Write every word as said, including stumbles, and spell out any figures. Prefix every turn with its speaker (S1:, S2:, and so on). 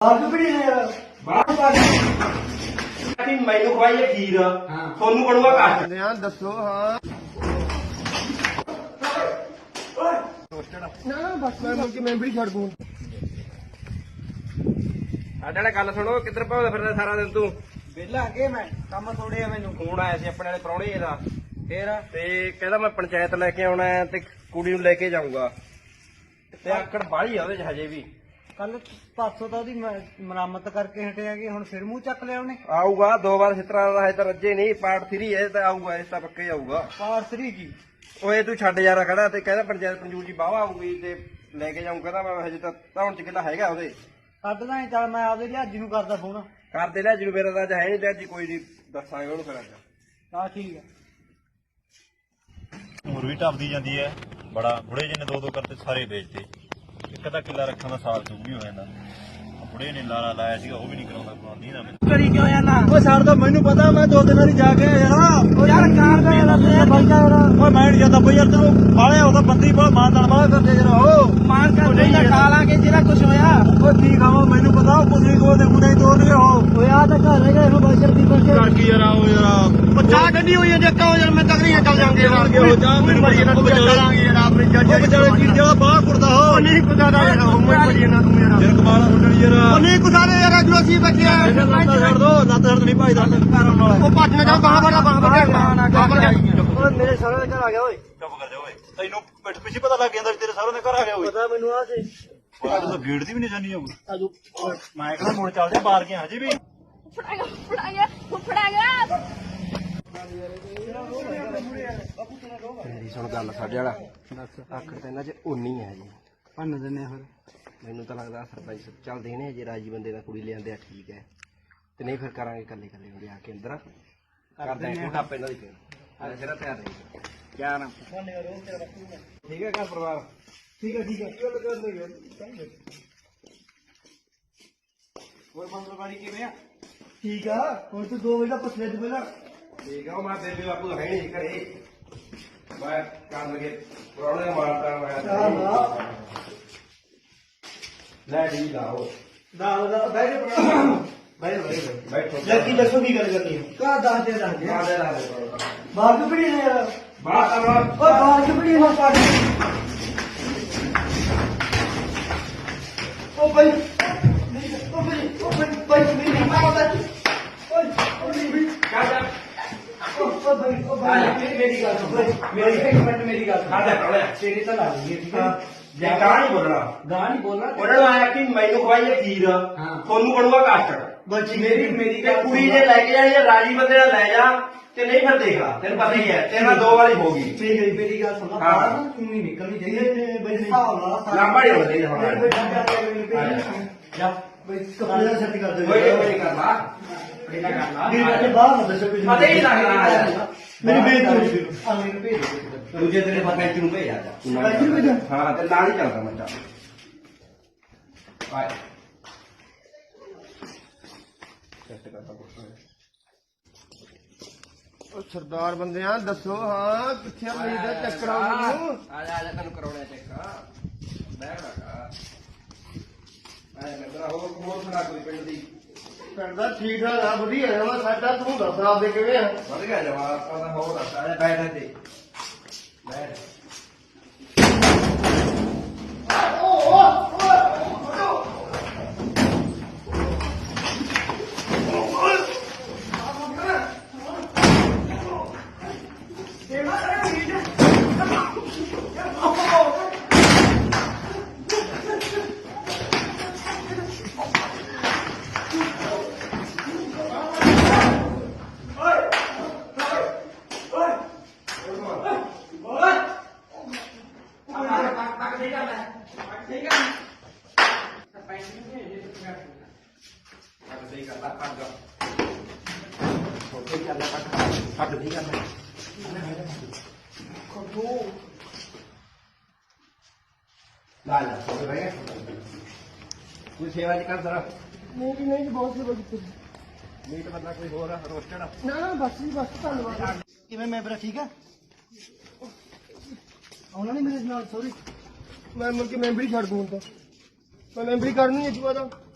S1: ਮੈਨੂੰ ਖਵਾਈਏ ਖੀਰ ਤੁਹਾਨੂੰ ਬਣੂਗਾ ਕੱਟ
S2: ਦੱਸੋ ਹਾਂ ਨਾ ਨਾ ਬਸ ਮੈਂ ਮੁੜ ਕੇ ਮੈਂਬਰ ਹੀ ਛੱਡ ਦੂੰ।
S1: ਸਾਡੇ ਵਾਲੇ ਗੱਲ ਸੁਣੋ, ਕਿੱਧਰ ਭਾਉਂਦਾ ਫਿਰਦਾ ਸਾਰਾ ਦਿਨ ਤੂੰ?
S3: ਵਿਹਲਾ ਅੱਗੇ ਮੈਂ ਕੰਮ ਥੋੜੇ ਆ। ਮੈਨੂੰ
S1: ਫੋਨ ਆਇਆ ਸੀ ਆਪਣੇ ਵਾਲੇ ਪ੍ਰਾਹੁਣੇ ਦਾ,
S3: ਫੇਰ
S1: ਤੇ ਕਹਿੰਦਾ ਮੈਂ ਪੰਚਾਇਤ ਲੈ ਕੇ ਆਉਣਾ ਹੈ ਤੇ ਕੁੜੀ ਨੂੰ ਲੈ ਕੇ ਜਾਊਂਗਾ, ਤੇ ਆਕੜ ਬਾਹਲੀ ਆ ਉਹਦੇ ਚ ਹਜੇ ਵੀ।
S3: ਕੱਲ ਪਾਸੋਂ ਤਾਂ ਉਹਦੀ ਮ- ਮੁਰੰਮਤ ਕਰਕੇ ਹਟਿਆ ਕਿ ਹੁਣ ਫਿਰ ਮੂੰਹ ਚੱਕ ਲਿਆ ਉਹਨੇ।
S1: ਆਊਗਾ ਦੋ ਵਾਰ ਇਸ ਤਰ੍ਹਾਂ ਦਾ, ਹਜੇ ਤਾਂ ਰੱਜੇ ਨਹੀਂ। ਪਾਰਟ ਥਰੀ ਹੈ ਤਾਂ ਆਊਗਾ, ਇਸ ਤਾਂ ਪੱਕੇ ਆਊਗਾ।
S3: ਪਾਰਸਰੀ ਕੀ
S1: ਓਏ ਤੂੰ ਛੱਡ ਯਾਰਾ ਖੜਾ, ਤੇ ਕਹਿੰਦਾ ਪੰਚਾਇਤ ਪੰਜੂਰ ਜੀ ਬਾਵਾ ਆਊਗੀ ਤੇ ਲੈ ਕੇ ਜਾਊਂ। ਕਹਿੰਦਾ ਮੈਂ ਹਜੇ ਤਾਂ ਧੌਣ ਚ ਕਿੱਲਾ ਹੈਗਾ ਉਹਦੇ।
S3: ਕੱਢਦਾ ਹੀ ਚੱਲ, ਮੈਂ ਆਪਦੇ ਲਿਹਾਜੀ ਨੂੰ ਕਰਦਾ ਫੋਨ।
S1: ਕਰਦੇ ਲਿਆ ਜਿਹਨੂੰ ਮੇਰਾ ਤਾਂ ਅੱਜ ਹੈ ਨਹੀਂ, ਲਿਆ ਜੀ ਕੋਈ ਨਹੀਂ, ਦੱਸਾਂਗੇ ਉਹਨੂੰ ਫਿਰ ਅੱਜ।
S3: ਆ ਠੀਕ ਆ।
S4: ਉਮਰ ਵੀ ਢੱਬਦੀ ਜਾਂਦੀ ਹੈ। ਬੜਾ ਬੁੜੇ ਜਿਹਨੇ ਦੋ ਦੋ ਕਰਤੇ ਸਾਰੇ ਵੇਚਦੇ। ਇੱਕ ਅੱਧਾ ਕਿੱਲਾ ਰੱਖਣ ਦਾ ਸਾਲ ਚੁੱਕ ਵੀ ਹੋ ਜਾਂਦਾ। ਬੁੜੇ ਨੇ ਲਾਲਾ ਲਾਇਆ ਸੀਗਾ, ਉਹ ਵੀ ਨਹੀਂ ਕਰਾਉਂਦਾ ਕਰਾਉਂਦੀ ਨਾ ਮੈਨੂੰ।
S3: ਕਰੀ ਕਿਉਂ ਜਾਂਦਾ?
S2: ਓਏ ਸਰ ਤਾਂ ਮੈਨੂੰ ਪਤਾ, ਮੈਂ ਦੋ ਦਿਨ ਵਾਲੀ ਜਾ ਕੇ ਆਇਆ ਯਾਰ।
S3: ਉਹ ਯਾਰ ਕਾਰ ਦਾ ਯਾਰ ਬੰਦਾ ਯਾਰ
S2: ਓਏ ਮੈਂ ਨਹੀਂ ਜਾਂਦਾ ਬਈ ਯਾਰ, ਤੈਨੂੰ ਬਾਲਿਆ ਉਹਦਾ ਬੰਦੀ ਬੜਾ ਮਾਨਦਾਨ ਵਾਲਾ ਕਰਦੇ ਯਾਰ। ਉਹ
S3: ਮਾਰ ਕਰ ਨਹੀਂ ਨਾ ਖਾ ਲਾਂਗੇ ਜਿਹੜਾ ਕੁਝ ਹੋਇਆ।
S2: ਓਏ ਠੀਕ ਆ, ਮੈਨੂੰ ਪਤਾ ਉਹ ਪੁੱਛੀ ਕੋਲ ਦੇ ਮੁੰਡੇ ਤੋੜ ਗਏ। ਉਹ
S3: ਓਏ ਆ ਤਾਂ ਘਰ ਹੈਗਾ ਇਹਨੂੰ ਬਾਜਰ ਦੀ ਬੱਚੇ
S2: ਕਰ ਕੀ ਯਾਰ ਉਹ ਯਾਰ
S3: ਪੱਚਾ ਗੱਡੀ ਹੋਈ ਹੈ ਦੇਖੋ ਯਾਰ, ਮੈਂ ਤਕਰੀਆਂ ਚੱਲ ਜਾਂਗੇ ਯਾਰ।
S2: ਹੋ ਜਾ ਮੈਨੂੰ ਬੜੀ ਇਹਨਾਂ ਨੂੰ ਚੱਲਾਂਗੇ ਯਾਰ ਆਪਣੀ ਜੱਜ। ਉਹ ਵਿਚਾਰੇ ਕੀ ਜਿਹੜਾ ਬਾਹਰ ਕੁੜਦਾ ਹੋ
S3: ਨਹੀਂ ਕੁਦਾਦਾ ਯਾਰ, ਉਹ ਬੜੀ ਇਹਨਾਂ ਨੂੰ ਯਾਰ।
S2: ਯਾਰ ਕਮਾਲ ਹੁੰਦੀ ਯਾਰ।
S3: ਉਹ ਨਹੀਂ ਕੁਦਾਦੇ ਯਾਰ, ਜੋ ਅਸੀਂ ਬੱਚੇ ਆ
S2: ਲੱਤ ਛੱਡ ਦੋ, ਲੱਤ ਛੱਡ ਨਹੀਂ ਭਾਈ ਦਾ ਘਰ ਵਾਲਾ।
S3: ਉਹ ਭੱਜ ਨਾ ਜਾ, ਬਾਹਰ ਬਾਹਰ ਬਾਹਰ ਬਾਹਰ।
S2: ਓਏ ਮੇਰੇ ਸਾਲੇ ਦੇ ਘਰ ਆ ਗਿਆ ਓਏ।
S4: ਚੁੱਪ ਕਰ ਜਾ ਓਏ, ਤੈਨੂੰ ਪਿੱਠ ਪਿੱਛੇ ਪਤਾ ਲੱਗ ਜਾਂਦਾ ਵੀ ਤੇਰੇ ਸਾਰਿਆਂ ਦੇ ਘਰ ਆ ਗਿਆ ਓਏ।
S2: ਪਤਾ ਮੈਨੂੰ ਆ ਸੀ
S4: ਬਾਹਰ ਤਾਂ ਗੇਟ ਦੀ ਵੀ ਨਿਸ਼ਾਨੀ ਆਊ। ਮੈਂ ਕਹਿੰਦਾ ਮੁੜ ਚੱਲਦੇ ਆ ਬਾਹਰ ਕੇ ਹਜੇ ਵੀ।
S5: ਫੜਾਂਗਾ ਫੜਾਂਗਾ ਫੜਾਂਗਾ।
S1: ਮੇਰੀ ਸੁਣ ਗੱਲ, ਸਾਡੇ ਵਾਲਾ ਆਖਰ ਤਾਂ ਇਹਨਾਂ ਚ ਉਨੀ ਹੈ ਜੀ।
S3: ਭੰਨ ਦਿੰਨੇ ਫਿਰ।
S1: ਮੈਨੂੰ ਤਾਂ ਲੱਗਦਾ ਸਰਪੰਚ ਚੱਲ ਦੇਣੇ ਜੇ ਰਾਜੀ ਬੰਦੇ ਦਾ ਕੁੜੀ ਲਿਆਂਦੇ ਆ, ਠੀਕ ਹੈ, ਤੇ ਨਹੀਂ ਫਿਰ ਕਰਾਂਗੇ ਕੱਲੇ ਕੱਲੇ ਹੁੰਦੇ ਆ ਕੇ ਅੰਦਰ ਕਰਦੇ ਆ ਟਾਪੇ ਨਾਲ ਹੀ। ਫਿਰ ਆ ਜਿਹੜਾ ਤਿਆਰ ਰਹੀ ਕਿਆ ਨਾ ਠੀਕ ਹੈ ਘਰ ਪਰਿਵਾਰ।
S2: ਠੀਕ ਹੈ ਠੀਕ ਹੈ ਚੱਲ ਕਰ ਦੇ।
S1: ਹੋਰ ਮੰਗਲਵਾਰੀ ਕਿਵੇਂ ਆ?
S2: ਠੀਕ ਆ, ਹੁਣ ਤੂੰ ਦੋ ਵਜੇ ਦਾ ਪਸਲੇ ਚ ਪਹਿਲਾਂ
S1: ਠੀਕ ਆ। ਉਹ ਮੈਂ ਬੇਬੇ ਬਾਪੂ ਹੈ ਨਹੀਂ ਘਰੇ, ਮੈਂ ਕੰਮ ਲਗੇ ਪ੍ਰੋਬਲਮ ਮਾਰਦਾ ਮੈਂ ਲੈ ਡੀ ਲਾਓ
S2: ਦਾਲ ਦਾ ਬੈਠੇ ਬੈਠੇ ਬੈਠੇ
S1: ਬੈਠੋ।
S2: ਲੱਗੀ ਦੱਸੋ ਕੀ ਗੱਲ ਕਰਨੀ ਹੈ? ਕਾ ਦੱਸ ਦੇ ਦੱਸ ਦੇ
S1: ਆ ਦੇ ਲਾ ਦੇ
S2: ਬਾਹਰ ਕਿਉਂ ਪੜੀ ਨੇ ਯਾਰ?
S1: ਬਾਤ ਕਰਵਾ।
S2: ਓ ਬਾਹਰ ਕਿਉਂ ਪੜੀ ਹੋ ਪਾੜੀ? ਓ ਭਾਈ ਓ ਭਾਈ ਓ ਭਾਈ ਭਾਈ ਮੇਰੀ ਮਾਂ ਦਾ ਓਏ ਓ ਮੇਰੀ
S1: ਕਾ ਜਾ
S2: ਓ ਭਾਈ ਓ ਭਾਈ ਮੇਰੀ ਗੱਲ ਸੁਣ। ਮੇਰੀ ਇੱਕ ਮਿੰਟ ਮੇਰੀ ਗੱਲ ਸੁਣ।
S1: ਆ ਜਾ ਪ੍ਰੋਲੇ
S2: ਤੇਰੀ ਤਾਂ ਲਾ ਲਈ ਠੀਕ ਹੈ।
S1: ਜੇ ਗਾਂ ਨਹੀਂ ਬੋਲਣਾ,
S2: ਗਾਂ ਨਹੀਂ ਬੋਲਣਾ।
S1: ਉਹਨਾਂ ਨੂੰ ਆਇਆ ਕਿ ਮੈਨੂੰ ਖਵਾਈਏ ਖੀਰ ਤੁਹਾਨੂੰ ਬਣੂਗਾ ਕੱਟ।
S2: ਬੱਚੀ ਮੇਰੀ ਮੇਰੀ
S1: ਤੇ
S2: ਗੱਲ
S1: ਕੁੜੀ ਜੇ ਲੈ ਕੇ ਜਾਣੀ ਹੈ ਰਾਜੀ ਬੰਦੇ ਨਾਲ ਲੈ ਜਾ, ਤੇ ਨਹੀਂ ਫਿਰ ਦੇਖ ਲਾ, ਤੈਨੂੰ ਪਤਾ ਹੀ ਹੈ ਤੇਰਾ ਦੋ ਵਾਰੀ ਹੋ ਗਈ।
S2: ਠੀਕ ਹੈ ਮੇਰੀ ਗੱਲ ਸੁਣ।
S1: ਹਾਂ।
S2: ਬਾਹਰ ਨਾ ਤੂੰ ਨਹੀਂ ਨਿਕਲਣੀ ਚਾਹੀਦੀ ਤੇ ਬਈ ਹਿਸਾਬ ਨਾਲ
S1: ਲਾਂਬਾ ਨਹੀਂ ਹੋਣਾ ਚਾਹੀਦਾ ਹੁਣ।
S2: ਜਾ ਬਈ ਕੱਪੜੇ ਦਾ ਸੈੱਟ ਕਰ ਦੇ।
S1: ਕੋਈ ਨਹੀਂ ਕੋਈ ਨਹੀਂ ਕਰਨਾ, ਕੋਈ ਨਾ ਕਰਨਾ।
S2: ਮੇਰੀ ਗੱਲ ਬਾਹਰ ਨਾ ਦੱਸੋ ਕੁਝ।
S1: ਪਤਾ ਹੀ ਨਹੀਂ ਲੱਗਣਾ।
S2: ਮੇਰੀ ਬੇਇੱਜ਼ਤੀ ਹੋ ਗਈ। ਆ ਮੈਨੂੰ ਭੇਜ ਦੇ।
S1: ਦੂਜੇ ਦਿਨ ਪਤਾ ਨੂੰ ਭੇਜ ਆ ਜਾ।
S2: ਸਰਪੰਚ ਨੂੰ ਭੇਜਾਂ?
S1: ਹਾਂ, ਤੇ ਨਾਲ ਹੀ ਚੱਲਦਾ ਮੈਂ। ਚੱਲ ਆਏ ਸੈੱਟ ਕਰਦਾ ਪੁੱਛੋ।
S2: ਉਹ ਸਰਦਾਰ ਬੰਦਿਆਂ ਦੱਸੋ ਹਾਂ ਕਿੱਥੇ ਆ ਮੇਰੀ ਦਾ ਚੱਕਰ ਆ ਮੈਨੂੰ?
S1: ਆ ਜਾ ਆ ਜਾ, ਤੈਨੂੰ ਕਰਾਉਣਾ ਚੈੱਕ। ਬੈਠ ਰਖਾ ਆਏ ਮੇਰਾ ਹੋਰ ਹੋਰ ਸੁਣਾ ਕੋਈ ਪਿੰਡ ਦੀ।
S2: ਕਰਦਾ ਠੀਕ ਠਾਕ ਆ, ਵਧੀਆ ਆ ਵਾ ਸਾਡਾ। ਤੂੰ ਦੱਸ ਆਪਦੇ ਕਿਵੇਂ ਆ?
S1: ਵਧ ਗਿਆ ਜਵਾਬ ਪਤਾ ਹੋਰ ਦੱਸ। ਆ ਜਾ ਬੈਠ ਇੱਥੇ ਬੈਠ। ਸਹੀ ਕਰਦਾ ਕੱਟ ਜਾ ਸਹੀ ਕਰਦਾ ਕੱਟ ਕੱਟ ਨਹੀਂ ਕਰਦਾ ਕੋਟੋ ਲਾ ਲਾ ਸੋ ਰਿਹਾ ਕੋਈ ਸੇਵਾ ਜੀ ਕਰ ਜ਼ਰਾ।
S2: ਨਹੀਂ ਨਹੀਂ ਬਹੁਤ ਸੇਵਾ ਕੀਤੀ।
S1: ਮੀਟ ਬੰਦਾ ਕੋਈ ਹੋਰ ਰੋਸਟਡ
S2: ਨਾ ਨਾ ਬਸ ਜੀ ਬਸ ਧੰਨਵਾਦ। ਕਿਵੇਂ ਮੈਂ ਬਰਾ ਠੀਕ ਆ? ਆਉਣਾ ਨਹੀਂ ਮੇਰੇ ਨਾਲ ਸੌਰੀ। ਮੈਂ ਮੁੜ ਕੇ ਮੈਂਬਰ ਹੀ ਛੱਡ ਦੂੰ ਹੁਣ ਤਾਂ। ਮੈਂ ਮੈਂਬਰੀ ਕਰਨੀ ਹੈ ਜੂਆ ਦਾ।